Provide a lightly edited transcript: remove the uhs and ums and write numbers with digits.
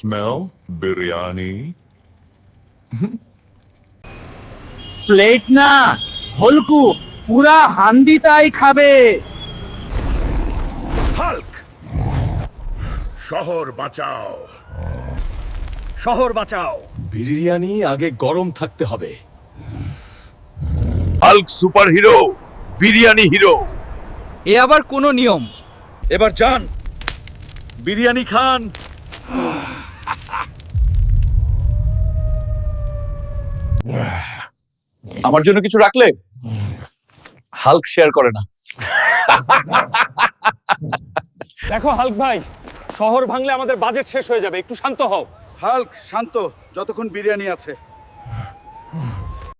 smell biryani? Plate না হলকু পুরা হান্ডিটাই খাবে। হাল্ক, শহর বাঁচাও। শহর বাঁচাও। বিরিয়ানি আগে গরম থাকতে হবে। Hulk superhero, biryani hero. এ আবার কোন নিয়ম? এবার যান, বিরিয়ানি খান। আমার জন্য কিছু রাখলে? হাল্ক শেয়ার করে না। দেখো হাল্ক ভাই, শহর ভাঙলে আমাদের বাজেট শেষ হয়ে যাবে, একটু শান্ত হও। হাল্ক শান্ত, যতক্ষণ বিরিয়ানি আছে।